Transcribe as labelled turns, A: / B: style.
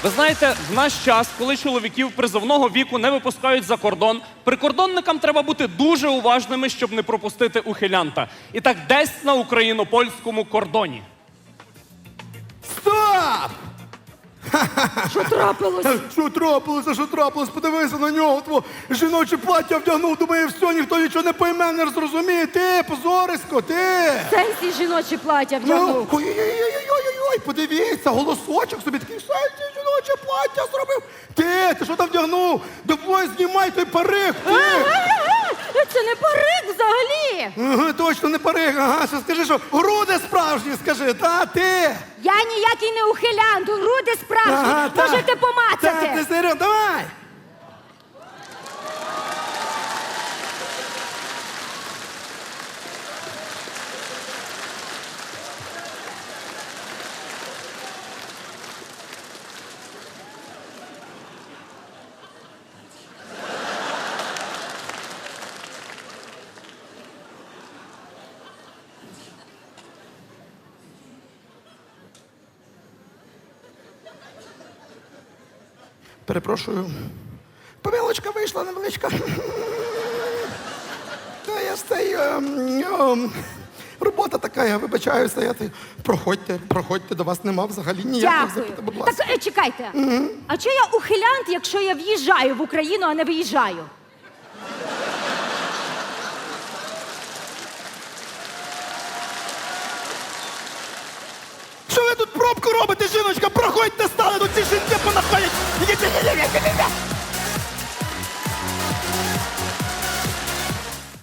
A: Ви знаєте, в наш час, коли чоловіків призовного віку не випускають за кордон, прикордонникам треба бути дуже уважними, щоб не пропустити ухилянта. І так десь на україно-польському кордоні.
B: Стоп!
C: Що трапилось?
B: Що трапилося, що трапилось? Подивися на нього, тво жіноче плаття вдягнув, думає, все, ніхто нічого не пойме, не зрозуміє. Ти, позорисько, ти!
C: Сенсі жіночі плаття вдягнув.
B: Ой-ой-ой, подивіться, голосочок собі такий, сенсі жіноче плаття зробив. Ти що там вдягнув? Давай знімай той парик, ти!
C: Це не парик взагалі.
B: Ага, точно не парик, ага, що скажи, що груди справжні, скажи, та, ти!
C: Я ніякий не ухилянт, груди справжні. Можете помацати.
B: Ти серйозно, давай! Перепрошую. Помилочка вийшла невеличка. Та я стою. Робота така, я вибачаюся. Проходьте, до вас нема взагалі ніяких
C: Дякую.
B: запитань, будь ласка.
C: Так, чекайте. А чого я ухилянт, якщо я в'їжджаю в Україну, а не виїжджаю?
B: Що ви тут пробку робите, жіночка? Проходьте, стали, тут ці жінки понаходять.